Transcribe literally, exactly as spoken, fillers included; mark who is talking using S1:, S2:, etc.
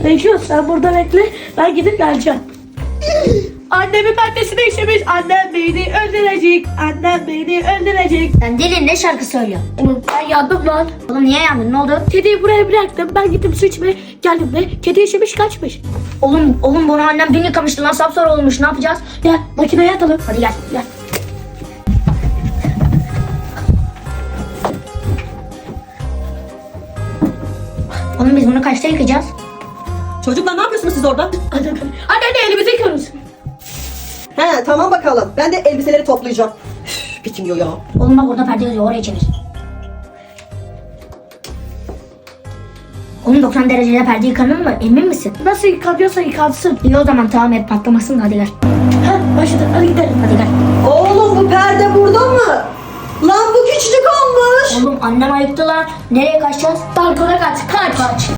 S1: Reşo sen burada bekle. Ben gidip geleceğim. Annemin maddesine işemiş. Annem beni öldürecek. Annem beni öldürecek.
S2: Sen deli ne şarkı söylüyorsun?
S1: Oğlum ben yandım lan.
S2: Oğlum niye yandın, ne oldu?
S1: Kediyi buraya bıraktım. Ben gittim su içmeye geldim de kedi işemiş kaçmış.
S2: Oğlum oğlum bunu annem dün yıkamıştı lan, sapsarı olmuş, ne yapacağız?
S1: Gel makineye atalım.
S2: Hadi gel.
S1: Gel.
S2: Oğlum biz bunu kaçta yıkayacağız?
S3: Çocuklar ne yapıyorsunuz siz orada?
S1: Anne, anne elimizi yıkıyoruz.
S3: He tamam bakalım. Ben de elbiseleri toplayacağım. Üf, bitmiyor ya.
S2: Oğlum bak orada perde yazıyor, oraya çevir. Oğlum doksan derecede perde yıkanır mı? Emin misin?
S1: Nasıl yıkanıyorsa yıkansın.
S2: İyi o zaman, tamam, hep patlamasın da hadi gel.
S1: Ha başladı. Hadi gidelim.
S2: Hadi gel.
S3: Oğlum bu perde burada mı? Lan bu küçücük olmuş.
S2: Oğlum annem ayıktı lan. Nereye kaçacağız?
S1: Balkona kaç. Kaç.
S2: Kaç.